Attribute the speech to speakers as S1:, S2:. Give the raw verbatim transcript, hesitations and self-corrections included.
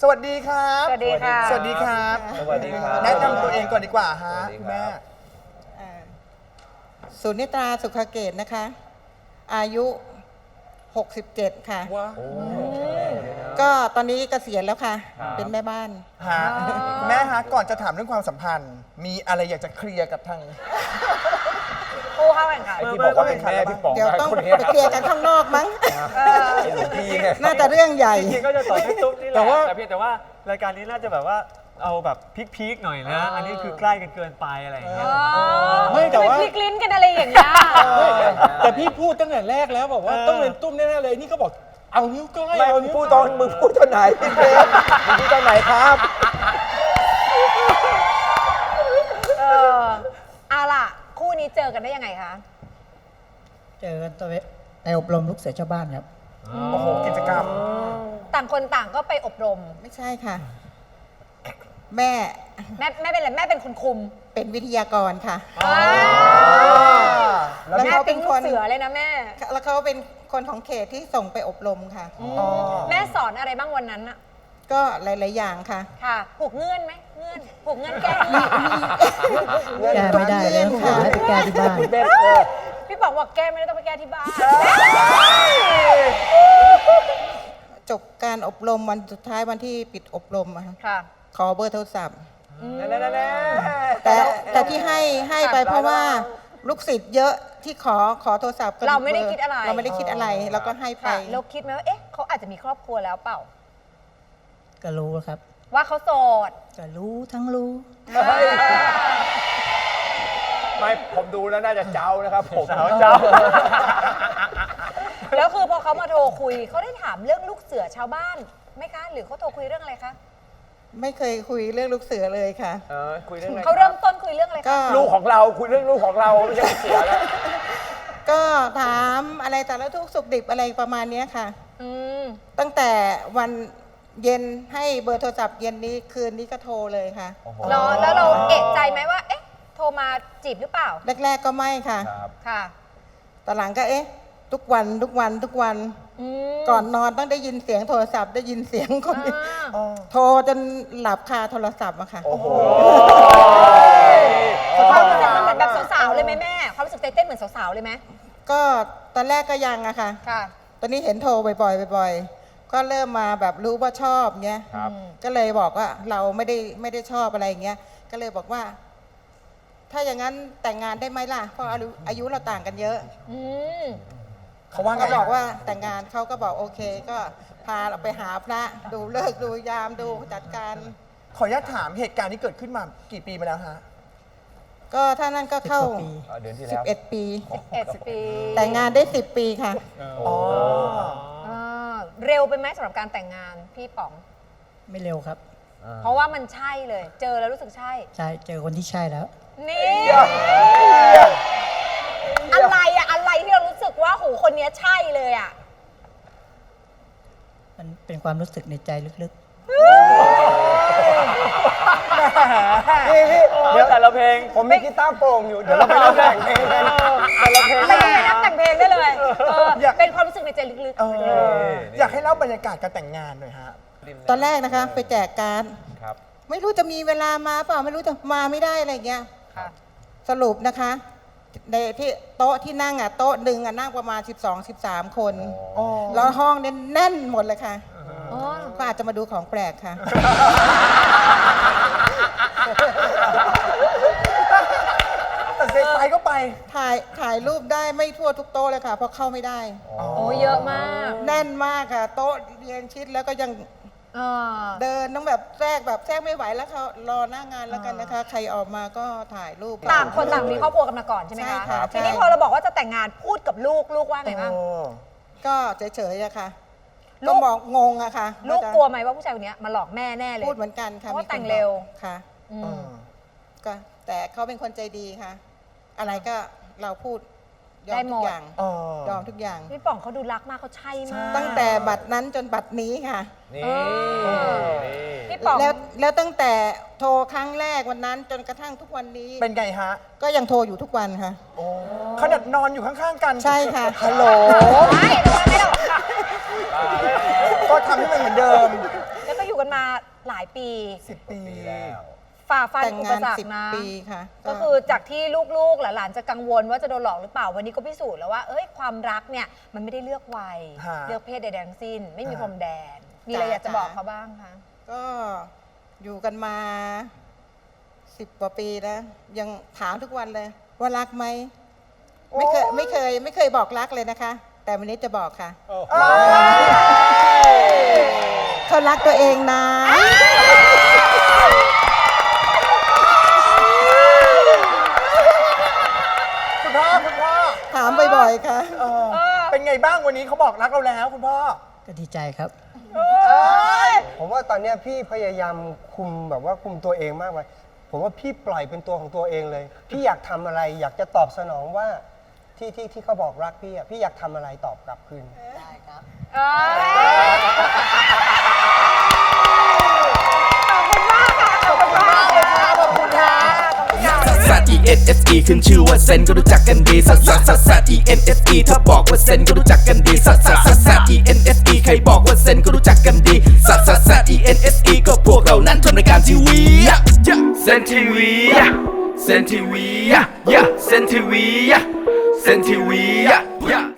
S1: สวัสดีครับ
S2: สวัสดีค่ะ
S1: สวัสดีครับ
S3: สวัสดีครับ
S1: แนะนำตัวเองก่อนดีกว่าฮะ
S3: สวัสดี
S1: คุณ
S3: ครั
S1: แม่
S3: บ
S4: สุนิตราสุขเกตนะคะ อายุ หกสิบเจ็ด ค่ะ
S1: ว้า
S3: โอ้
S4: ก็ตอนนี้เกษียณแล้วค่ะ
S3: ครับ
S4: เป็นแม่บ้าน
S1: ฮะคุณแม่ฮะก่อนจะถามเรื่องความสัมพันธ์ มีอะไรอยากจะเคลียร์กับทาง
S2: ผู้เข้าแข่งขัน
S3: ไอ้ที่บอกว่าเป็นแม่พี่ป๋อง
S4: เดี๋ยวต้อง
S3: คน
S4: ไป
S3: นี้
S4: เคลียร์กันข้างนอกมั้ง
S2: เออ
S3: ไอ้หลวงพี่เนี่ย
S4: น่าจะเรื่องใหญ่
S5: จริงๆก็จะสอนพี่ตุ๊กนี่แห
S6: แต่
S5: ละ
S6: ว่า
S5: แต่เพียงแต่ว่ารายการนี้น่าจะแบบว่าเอาแบบพีคๆหน่อยนะ อันนี้คือใกล้กันเกินไปอะไรอย่างเงี้ย
S6: ไม่แต่ว่า
S2: ทำพลิกลิ้นกันอะไรอย่างเงี้ย
S6: แต่พี่พูดตั้งแต่แรกแล้วบอกว่า
S5: เออ
S6: ต้องเป็นตุ้มแน่ๆเลยนี่ก็บอกเอานิ้วก้อย
S3: ไม่
S6: เอา
S3: มึง
S6: นิ้ว
S3: พูดตอนมึงพูดตอนไหนพี่เบสมึงพูดตอนไหนครับ
S2: เออเอาล่ะ คู่นี้เจอกันได้ยังไงคะ
S7: เจอกันตัวในอบรมลูกเสือชาวบ้านครับ
S1: โอ้โหกิจกรรม
S2: ต่างคนต่างก็ไปอบรม
S4: ไม่ใช่ค่ะ แม่
S2: แม่แม่เป็นอะไรแม่เป็นคุณคุม
S4: เป็นวิทยากรค่ะ
S2: แล้วแม่เป็นลูกเสือเลยนะแม่
S4: แล้วเขาเป็นคนของเขตที่ส่งไปอบรมค่ะ
S2: แม่สอนอะไรบ้างวันนั้นอะ
S4: ก็หลาย ๆ อย่างค่ะ
S2: ค่ะ ผูกเงื่อนไหมเงื่อน ผูกเงื่อนแก้หนี้
S7: แก้ไม่ได้เลย
S4: ค่ะ
S7: ให้ไปแก้ที่บ้าน
S3: พี่เบสเออ
S2: พี่ป๋องบอกแก้ไม่ได้ต้องไปแก้ที่บ้าน
S4: จบการอบรมวันสุดท้ายวันที่ปิดอบรมอะค่ะ
S2: ค่ะ
S4: ขอเบอร์โทรศัพท์
S3: แน่แน่
S4: แต่แต่ที่ให้ให้ไปเพราะว่าลูกศิษย์เยอะที่ขอขอโทรศัพท์กัน
S2: เราไม่ได้คิดอะไร
S4: เราไม่ได้คิดอะไรเราก็ให้ไป
S2: ค่ะเราคิดไหมว่าเอ๊ะเขาอาจจะมีครอบครัวแล้วเปล่า
S7: ก็รู้ครับ
S2: ว่าเขาโสด
S7: ก็รู้ทั้งรู้
S3: ไม่ผมดูแล้วน่าจะเจ้านะครับผม
S5: สาวเจ้า
S2: แล้วคือพอเขามาโทรคุยเขาได้ถามเรื่องลูกเสือชาวบ้านไหมคะ หรือเขาโทรคุยเรื่องอะไรคะ
S4: ไม่เคยคุยเรื่องลูกเสือเลยค่ะ
S3: เออคุยเรื่องอะไร
S2: เขาเริ่มต้นคุยเรื่องอะไร
S4: ก็
S2: คะ
S3: ลูกของเราคุยเรื่องลูกของเราไม่ใช่เสียแล้ว
S4: ก็ถามอะไรแต่ละทุกข์สุขดิบอะไรประมาณเนี้ยค่ะ
S2: อืม
S4: ตั้งแต่วันเย็นให้เบอร์โทรศัพท์เย็นนี้คืนนี้ก็โทรเลยค่ะ
S2: เนาะแล้วเราเอะใจไหมว่า เอ๊ะ โทรมาจีบหรือเปล่า
S4: แรก ๆ ก็ไม่ค่ะ
S3: ครับ
S2: ค่ะ
S4: ตอนหลังก็เอ๊ะ ทุกวันทุกวันทุกวัน
S2: อืม
S4: ก่อนนอนต้องได้ยินเสียงโทรศัพท์ได้ยินเสียงคน
S2: อ่า
S4: โทรจนหลับคาโทรศัพท์อะค่ะ
S3: โอ้โห
S2: ความรู้สึกมันเหมือนแบบสาวๆเลยไหมแม่ ความรู้สึกใจเต้นเหมือนสาวๆเลยไหม
S4: ก็ตอนแรกก็ยังอะค่ะ
S2: ค่ะ
S4: ตอนนี้เห็นโทรบ่อยๆบ่อยๆ ก็เริ่มมาแบบรู้ว่าชอบเงี้ย
S3: ครับ
S4: ก็เลยบอกว่าเราไม่ได้ไม่ได้ชอบอะไรอย่างเงี้ย ก็เลยบอกว่า ถ้าอย่างนั้นแต่งงานได้ไหมล่ะ เพราะอายุอายุเราต่างกันเยอะ
S2: อืม
S1: เขาว่าไง
S4: ก็บอกว่าแต่งงานเขาก็บอกโอเค ก็พาเราไปหาพระดูเลิกษ์ดูยามดูจัดการ
S1: ขออนุญาตถามเหตุการณ์ที่เกิดขึ้นมากี่ปีมาแล้วฮะ
S4: ก็ถ้านั่นก็เข้า
S7: สิบกว่าปี
S3: อ่าเดือนที่แล้ว
S4: สิบเอ็ด ปี
S2: เอ็ดปี
S4: แต่งงานได้สิบปีค่ะ
S1: อ๋อ
S2: อ่าเร็วไปไหมสำหรับการแต่งงานพี่ป๋อง
S7: ไม่เร็วครับ
S2: เพราะว่ามันใช่เลย เจอแล้วรู้สึกใช่
S7: ใช่เจอคนที่ใช่แล้ว
S2: นี่ อะไรอะอะไรที่เรารู้สึกว่าโหคนเนี้ยใช่เลยอะ
S7: มันเป็นความรู้สึกในใจลึก
S3: พี่พี่
S5: เดี๋ยวแต่ละเพลง
S3: ผมมีกีตาร์โปร่งอยู่ เดี๋ยวเราไปเล่นแต่งเพลงกันแต่ละเพลง
S2: ไม่ต้องไปนับแต่งเพลงได้เลยเออ
S1: อยาก
S2: เป็นความรู้สึกในใจลึก
S1: เอออยากให้เล่าบรรยากาศการแต่งงานหน่อยฮะ
S4: ตอนแรกนะคะ ไปแจกการด
S3: ครับ
S4: ไม่รู้จะมีเวลามาเปล่าไม่รู้จะมาไม่ได้อะไรอย่างเงี้ย
S2: ๆค่ะ
S4: สรุปนะคะในที่โต๊ะที่นั่งอ่ะโต๊ะหนึ่งอ่ะนั่งประมาณ สิบสอง สิบสาม คน
S1: อ๋อ
S4: แล้วห้องเนี่ยแน่นหมดเลยค่ะ
S2: อ๋อ
S4: ก็อาจจะมาดูของแปลกค่ะ
S1: แต่เซ็กไปก็ไป
S4: ถ่ายถ่ายรูปได้ไม่ทั่วทุกโต๊ะเลยค่ะ เพราะเข้าไม่ได้
S2: โอ้เยอะมาก
S4: แน่นมากค่ะ โต๊ะเรียงชิดแล้วก็ยัง
S2: เออ
S4: เดินต้องแบบแทรกแบบแทรกไม่ไหวแล้วเขารอหน้างานแล้วกันนะคะ ใครออกมาก็ถ่ายรูป
S2: ต่างคนต่างมีครอบครัวกันมาก่อนใช่ไหม
S4: ใช่
S2: คะ
S4: ค่ะ
S2: ทีนี้
S4: ใช่
S2: พอเราบอกว่าจะแต่งงานพูดกับลูกลูกว่าไงบ้าง
S1: โอ้
S4: ก็เฉยๆอะค่ะ
S2: ลู
S4: ก็
S2: ก
S4: บอกงงอะค่ะ
S2: ลูก
S4: าจะ
S2: กลัวไหมว่าผู้ชายคนเนี้ยมาหลอกแม่แน่เลย
S4: พูดเหมือนกันค่ะ
S2: เพราะว่า
S4: มีคน
S2: แต่งเร็ว
S4: บอกค่ะ
S2: อืม
S1: เออ
S4: ก็แต่เขาเป็นคนใจดีค่ะ อะไรก็เราพูดยอ
S2: ได้
S4: ม
S2: หม
S4: ทุ
S2: ด
S4: กอย่าง
S1: อ๋อ
S4: ยอมทุกอย่าง
S2: พี่ป๋องเขาดูรักมากเขาใช่มาก
S4: ตั้งแต่บัตรนั้นจนบัตรนี้ค่ะ
S3: นี่
S2: เออ
S3: นี่
S2: พี่ป๋อง
S4: แล้วแล้วตั้งแต่โทรครั้งแรกวันนั้นจนกระทั่งทุกวันนี้
S1: เป็นไงฮะ
S4: ก็ยังโทรอยู่ทุกวันค่ะ
S1: โอ้ขนาดนอนอยู่ข้างๆกัน
S4: ใช่ค่ะ
S1: ฮัลโหล
S2: ไม่ไม่ไม่หรอก
S1: ก็ทำให้มันเหมือนเดิม
S2: แล้วก็อยู่กันกันมาหลายปี
S1: สิบปี
S2: ฝ่าฟัน
S4: แต่ง
S2: อุ
S4: งา
S2: ป
S4: น
S2: สรร
S4: สิบ
S2: คนะ
S4: ปีค่ะ
S2: ก็คือจากที่ลูกๆหลานๆจะกังวลว่าจะโดนหลอกหรือเปล่าวันนี้ก็พิสูจน์แล้วว่าเอ้ยความรักเนี่ยมันไม่ได้เลือกวัย
S1: ฮะ
S2: เลือกเพศใดๆทั้งสิ้น ไม่มี
S1: ฮะ
S2: พรมแดน มีอะไรอยากจะ
S4: จ้า
S2: บอกเขาบ้างคะ
S4: ก็อยู่กันมาสิบกว่าปีแล้ว ยังถามทุกวันเลย ว่ารักไหม ไม่เคยไม่เคย ไม่เคยบอกรักเลยนะคะ แต่วันนี้จะบอกค่ะ เขารักตัวเองนะ
S1: คุณพ่อคุณพ่อ
S4: ถามบ่อยๆค่ะ
S1: เออเป็นไงบ้างวันนี้เขาบอกรักเราแล้วคุณพ่อ
S7: ก็ดีใจครับ
S3: ผมว่าตอนเนี้ยพี่พยายามคุมแบบว่าคุมตัวเองมากไปผมว่าพี่ปล่อยเป็นตัวของตัวเองเลย พี่อยากทำอะไร อยากจะตอบสนองว่าที่ที่ที่เขาบอกรักพี่อ่ะพี่อยากทำอะไรตอบกลับคืน
S2: เอ้ยขอบคุณมากค่ะ ขอบคุณมากเลยค่ะขอบคุณค่ะขอบคุณค่ะ
S8: ซัส E N S E ขึ้นชื่อว่าเซนก็รู้จักกันดีซัสซัสซัสซัส E N S E ถ้าบอกว่าเซนก็รู้จักกันดีซัสซัสซัสซัส E N S E ใครบอกว่าเซนก็รู้จักกันดีซัสซัสซัส E N S E ก็พวกเรานั้นทำรายการทีวีเซนทีวีเซนทีวีเซนทีวีเซนทีวี